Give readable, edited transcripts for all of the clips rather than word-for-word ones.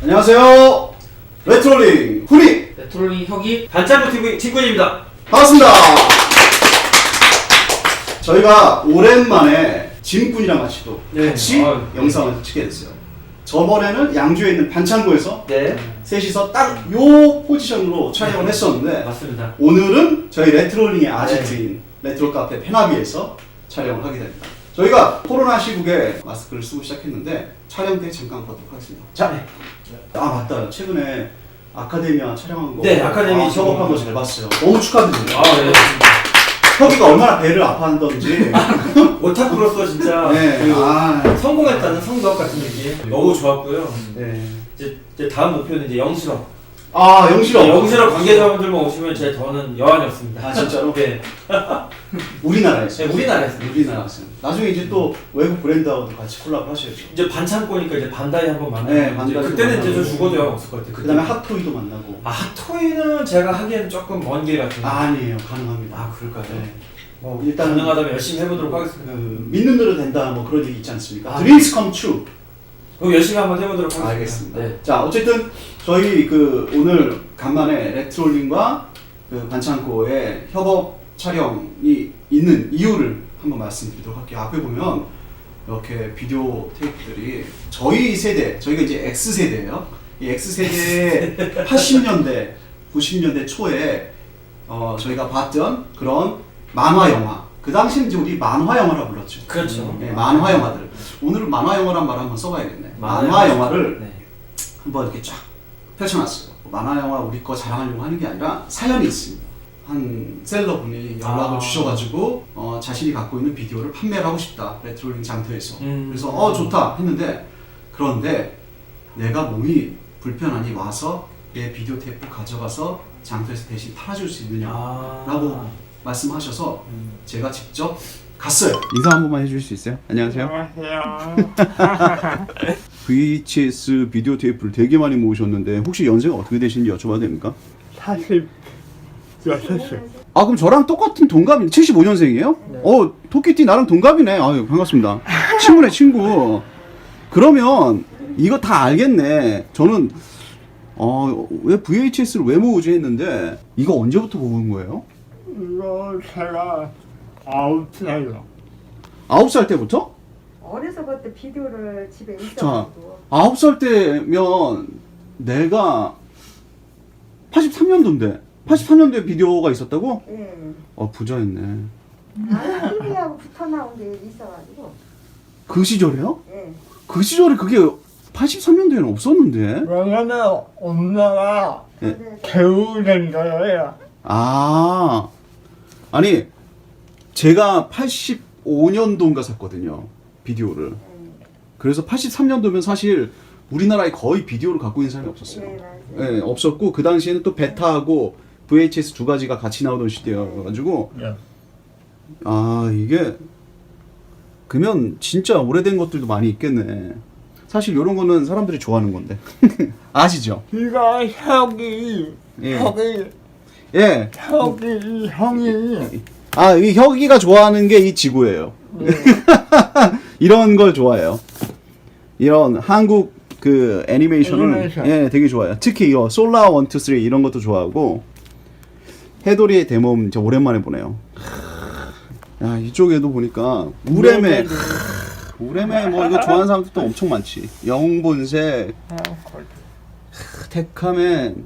안녕하세요. 레트롤링 훈이 레트롤링 혁이 반창고 TV 친구입니다. 반갑습니다. 저희가 오랜만에 짐꾼이랑 같이 또 같이 영상을 찍게 됐어요. 저번에는 양주에 있는 반창고에서 셋이서 딱 요 포지션으로 촬영을 했었는데 맞습니다. 오늘은 저희 레트롤링의 아지트인 레트로 카페 페나비에서 촬영을 하게 됩니다. 저희가 코로나 시국에 마스크를 쓰고 시작했는데 촬영 때 잠깐 걷도록 하겠습니다. 자, 아 맞다. 최근에 아카데미아 촬영한 거, 아카데미 협업한 거 잘 봤어요. 너무 축하드립니다. 네. 혁이가 얼마나 배를 아파한던지. 오타쿠로서 진짜 성공했다는 성덕 같은 얘기 너무 좋았고요. 이제 다음 목표는 이제 영실업. 영실업. 영실업 관계자분들만 오시면 제 더는 여한이 없습니다. 진짜로? 네. 우리나라에서. 네, 우리나라에서. 나중에 이제 또 외국 브랜드하고도 같이 콜라보 하셔야죠. 이제 반창고니까 이제 반다이 한번 만나고. 네, 반다이 그때는 만나고. 이제 저 죽어도 영 없을 것 같아요. 그다음에 핫토이도 만나고. 핫토이는 제가 하기에는 조금 먼 길 같은데. 아니에요, 가능합니다. 그럴까요? 네. 뭐 일단 가능하다면 열심히 해보도록 하겠습니다. 믿는 대로 된다, 뭐 그런 얘기 있지 않습니까? Dreams come true. 그럼 열심히 한번 해보도록 하겠습니다. 알겠습니다. 네. 자, 어쨌든 저희 오늘 간만에 레트롤링과 반창고의 협업 촬영이 있는 이유를 한번 말씀드리도록 할게요. 앞에 보면 이렇게 비디오 테이프들이 저희 세대, 저희가 이제 X세대예요. 이 X세대의 80년대, 90년대 초에 저희가 봤던 그런 만화 영화. 그 당시는 이제 우리 만화 영화라 불렀죠. 그렇죠. 네, 만화 영화들. 오늘은 만화 영화란 말 한번 써봐야겠네. 만화 영화를 한번 이렇게 쫙 펼쳐놨어요. 만화 영화 우리 거 자랑하려고 하는 게 아니라 사연이 있습니다. 한 셀러분이 연락을 주셔가지고 자신이 갖고 있는 비디오를 판매를 하고 싶다. 레트롤링 장터에서. 그래서 좋다 했는데, 그런데 내가 몸이 불편하니 와서 내 비디오 테이프 가져가서 장터에서 대신 팔아줄 수 있느냐라고 말씀하셔서 제가 직접 갔어요. 인사 한 번만 해주실 수 있어요? 안녕하세요. VHS 비디오 테이프를 되게 많이 모으셨는데 혹시 연세가 어떻게 되시는지 여쭤봐도 됩니까? 46살. 그럼 저랑 똑같은 동갑이 75년생이에요? 네. 토끼띠 나랑 동갑이네. 아유, 반갑습니다. 친구네, 친구. 그러면 이거 다 알겠네. 저는 왜 VHS를 왜 모으지 했는데 이거 언제부터 모은 거예요? 이거 제가 9살이요. 9살 때부터? 어려서부터 비디오를 집에 자, 있어가지고 9살 때면 내가 83년도인데 83년도에 비디오가 있었다고? 예. 부자였네. TV하고 붙어 나온 게 있어가지고 그 시절에요? 예. 그 시절에 그게 83년도에는 없었는데. 왜냐면 엄마가 네. 배우된 거예요. 아니 제가 85년도인가 샀거든요, 비디오를. 그래서 83년도면 사실 우리나라에 거의 비디오를 갖고 있는 사람이 없었어요. 네, 맞아요. 네, 없었고 그 당시에는 또 베타하고 VHS 두 가지가 같이 나오던 시대여가지고 네. 이게 그러면 진짜 오래된 것들도 많이 있겠네. 사실 이런 거는 사람들이 좋아하는 건데. 아시죠? 이거 형이 예. 형이 이 혁이가 좋아하는 게 이 지구예요. 이런 걸 좋아해요. 이런 한국 애니메이션을 되게 좋아해요. 특히 이거 솔라 1, 2, 3 이런 것도 좋아하고. 해돌이의 대몸 진짜 오랜만에 보네요. 이쪽에도 보니까 우레메 뭐 이거 좋아하는 사람들도 엄청 많지. 영본색, 테카맨,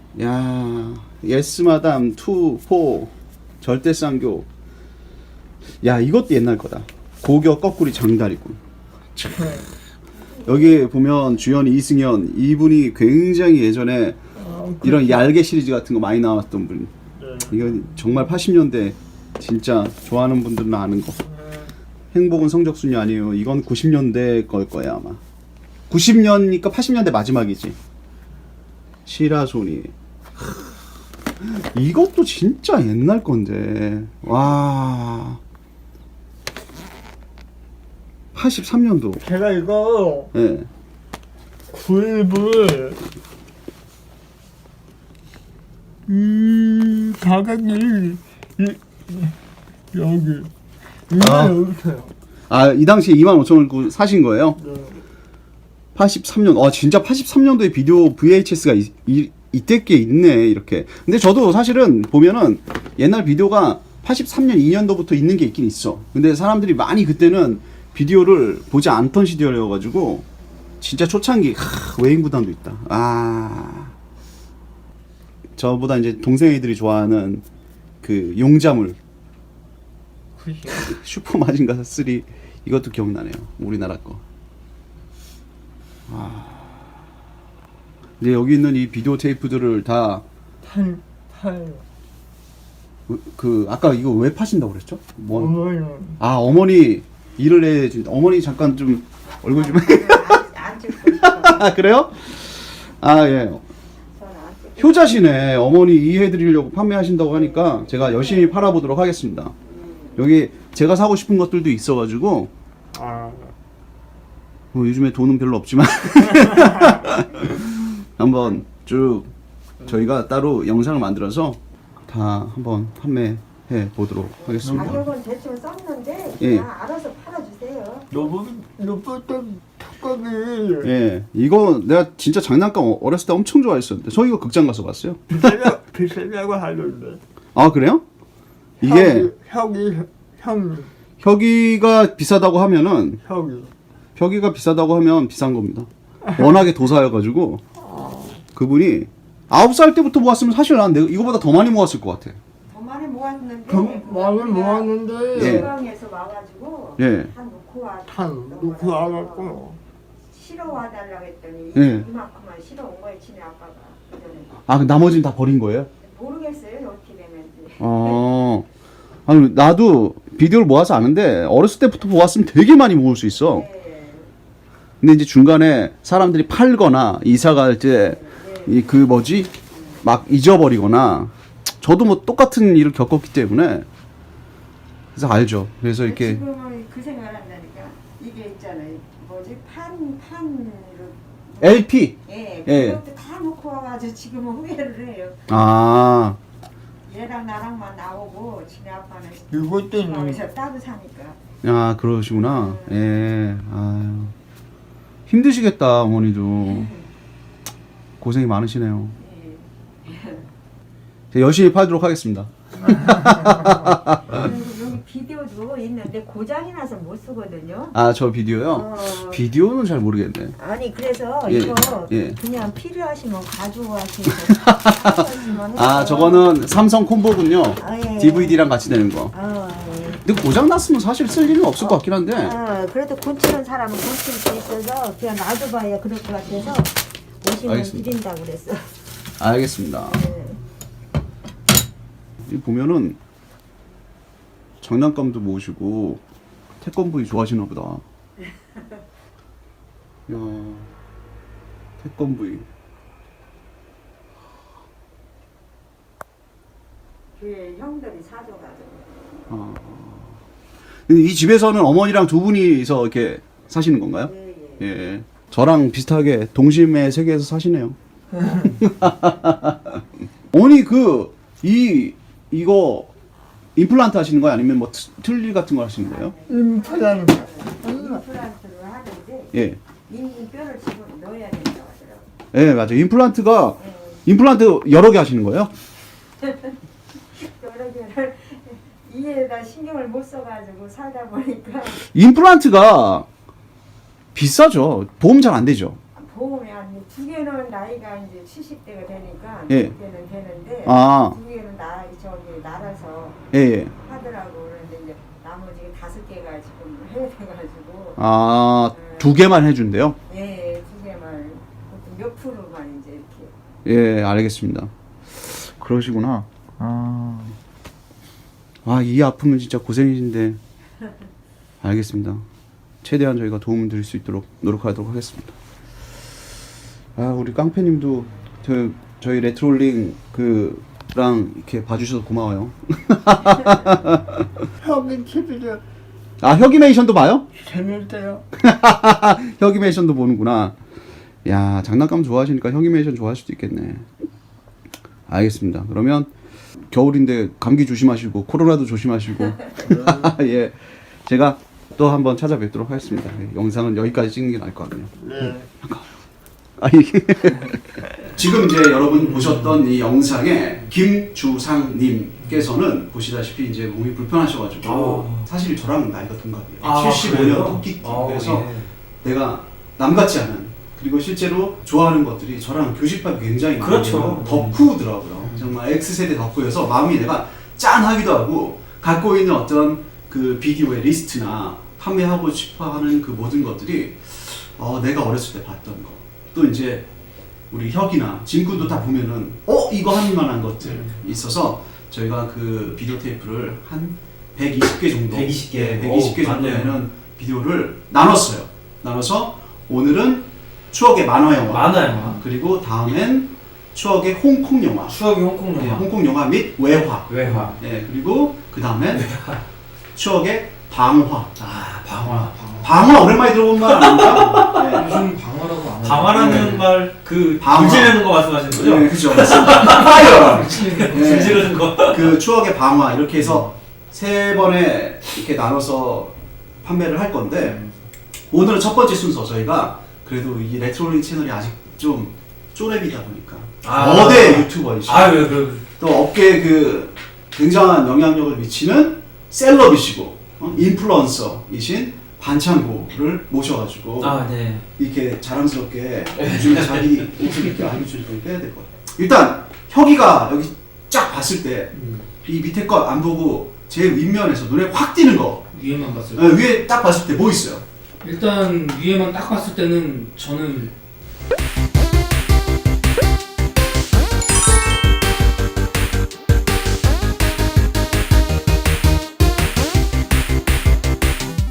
예스마담 2, 4, 절대쌍교. 이것도 옛날 거다. 고교 거꾸리 장다리군. 여기 보면 주연 이승현, 이분이 굉장히 예전에 이런 얄개 시리즈 같은 거 많이 나왔던 분. 이건 정말 80년대 진짜 좋아하는 분들은 아는 거. 행복은 성적순이 아니에요. 이건 90년대 걸 거야 아마. 90년이니까 80년대 마지막이지. 시라소니. 이것도 진짜 옛날 건데. 와. 83년도. 제가 이거 구입을 가격이 여기 여기 있어요. 이 당시에 25,000원 사신 거예요? 네. 83년. 진짜 83년도에 비디오 VHS가 이때 게 있네, 이렇게. 근데 저도 사실은 보면은 옛날 비디오가 83년 2년도부터 있는 게 있긴 있어. 근데 사람들이 많이 그때는 비디오를 보지 않던 시절이어가지고 진짜 초창기 외인구단도 있다. 저보다 이제 동생 애들이 좋아하는 그 용자물 슈퍼 마징가 3 이것도 기억나네요. 우리나라 거. 이제 여기 있는 이 비디오 테이프들을 다 아까 이거 왜 파신다고 그랬죠? 어머니는 어머니 일을 해 준다. 어머니 잠깐 좀 얼굴 좀 안 찍고 있어. 그래요? 예. 저는 안 찍고 효자시네. 어머니 이해해드리려고 판매하신다고 하니까 제가 열심히 팔아보도록 하겠습니다. 여기 제가 사고 싶은 것들도 있어가지고 요즘에 돈은 별로 없지만 한번 쭉 저희가 따로 영상을 만들어서 다 한번 판매해 보도록 하겠습니다. 가격은 대충 썼는데 예. 그냥 알아서 팔아주세요. 로봇은 턱걸이 예, 이거 내가 진짜 장난감 어렸을 때 엄청 좋아했었는데 저 이거 극장 가서 봤어요. 비싸다고 하던데. 그래요? 이게 형 혁이가 비싸다고 하면은 혁이가 비싸다고 하면 비싼 겁니다. 워낙에 도사여가지고 그분이 9살 때부터 모았으면 사실 난 내가 이거보다 더 많이 모았을 것 같아. 더 많이 모았는데 많이 모았는데 예. 지방에서 와가지고 예. 한 놓고 와. 탄 놓고 와갖고 실어 와달라고 했더니 예. 이만큼만 실어 온 거예요. 지네 아빠가. 그 나머지는 다 버린 거예요? 모르겠어요. 어떻게 되는지. 아니 나도 비디오를 모아서 아는데 어렸을 때부터 모았으면 되게 많이 모을 수 있어. 네. 근데 이제 중간에 사람들이 팔거나 이사 갈 때 막 잊어버리거나 저도 뭐 똑같은 일을 겪었기 때문에 그래서 알죠. 그래서 이렇게 지금은 그 생각을 한다니까. 이게 있잖아요. 판으로. LP. 예. 예. 그것도 다 놓고 와가지고 지금은 후회를 해요. 얘랑 나랑만 나오고 지네 아빠는 이것도 지방에서 따로 사니까. 그러시구나. 예. 힘드시겠다 어머니도. 고생이 많으시네요. 제가 열심히 팔도록 하겠습니다. 여기 비디오도 있는데 고장이 나서 못 쓰거든요. 저 비디오요? 비디오는 잘 모르겠네. 아니 그래서 예, 이거 예. 그냥 필요하시면 가져가시고. 저거는 삼성 콤보군요. 예. DVD랑 같이 되는 거. 예. 근데 고장 났으면 사실 쓸 일은 없을 것 같긴 한데. 그래도 고치는 사람은 고칠 수 있어서 그냥 놔둬봐야 그럴 것 같아서 오시면 알겠습니다. 드린다고 그랬어. 알겠습니다. 네. 이 보면은 장난감도 모으시고 태권브이 좋아하시나 보다. 야, 태권브이. 그 형들이 사줘가지고. 근데 이 집에서는 어머니랑 두 분이서 이렇게 사시는 건가요? 예. 예. 저랑 비슷하게 동심의 세계에서 사시네요. 어머니 이거 임플란트 하시는 거예요? 아니면 뭐 틀니 같은 거 하시는 거예요? 임플란트. 임플란트를 하는데 예. 이 뼈를 집어 넣어야 된다고 하더라고요. 예, 맞아요. 임플란트 여러 개 하시는 거예요? 여러 개를 이에다 신경을 못 써가지고 살다 보니까 임플란트가 비싸죠. 보험 잘 안 되죠. 보험이 한 두 개는 나이가 이제 70대가 되니까 예. 두 개는 되는데 두 개는 날아서 예. 하더라고. 그런데 이제 나머지 5개가 지금 해야 돼가지고 두 개만 해준대요? 예, 두 개만 보통 몇 프로만 이제 이렇게. 예, 알겠습니다. 그러시구나. 이 아픔은 진짜 고생이신데. 알겠습니다. 최대한 저희가 도움을 드릴 수 있도록 노력하도록 하겠습니다. 우리 깡패님도 저희 레트롤링 랑 이렇게 봐주셔서 고마워요. 형이 TV를 혁이메이션도 봐요? 재밌대요. 혁이메이션도 보는구나. 야, 장난감 좋아하시니까 혁이메이션 좋아할 수도 있겠네. 알겠습니다. 그러면 겨울인데 감기 조심하시고 코로나도 조심하시고 예, 제가 또 한번 찾아뵙도록 하겠습니다. 영상은 여기까지 찍는 게 나을 것 같네요. 네. 아 이게 지금 이제 여러분 보셨던 이 영상에 김주상님께서는 보시다시피 이제 몸이 불편하셔가지고 사실 저랑 나이가 동갑이에요. 75년 토끼띠. 그래서 내가 남 같지 않은, 그리고 실제로 좋아하는 것들이 저랑 교집합이 굉장히 그렇죠. 덕후더라고요. 정말 X세대 덕후여서 마음이 내가 짠하기도 하고, 갖고 있는 어떤 그 비디오의 리스트나 판매하고 싶어하는 그 모든 것들이 내가 어렸을 때 봤던 거, 또 이제 우리 혁이나 진구도 다 보면은 이거 할 만한 것들 있어서 저희가 그 비디오 테이프를 한 120개 정도 120개 정도에는 비디오를 나눠서 오늘은 추억의 만화 영화, 그리고 다음엔 추억의 홍콩 영화, 홍콩 영화 및 외화. 그리고 그 다음엔 추억의 방화. 방화 오랜만에 들어본 말 아닙니까? 요즘 방화라고 안 하죠. 방화라는 말, 그 불지르는 거 말씀하시는 거죠? 네, 그죠. 파이어. 불지르는 거. 그 추억의 방화 이렇게 해서 3번에 이렇게 나눠서 판매를 할 건데, 오늘은 첫 번째 순서 저희가 그래도 이 레트로링 채널이 아직 좀 쪼렙이다 보니까 거대 유튜버이시고 또 업계에 그 굉장한 영향력을 미치는 셀럽이시고 인플루언서이신 반창고를 모셔가지고 이렇게 자랑스럽게 요즘에 자기 모습을 이렇게 알려줄 때 빼야 될 것 같아요. 일단 혁이가 여기 쫙 봤을 때 이 밑에 것 안 보고 제일 윗면에서 눈에 확 띄는 거, 위에만 봤을 때. 위에 딱 봤을 때 뭐 있어요? 일단 위에만 딱 봤을 때는 저는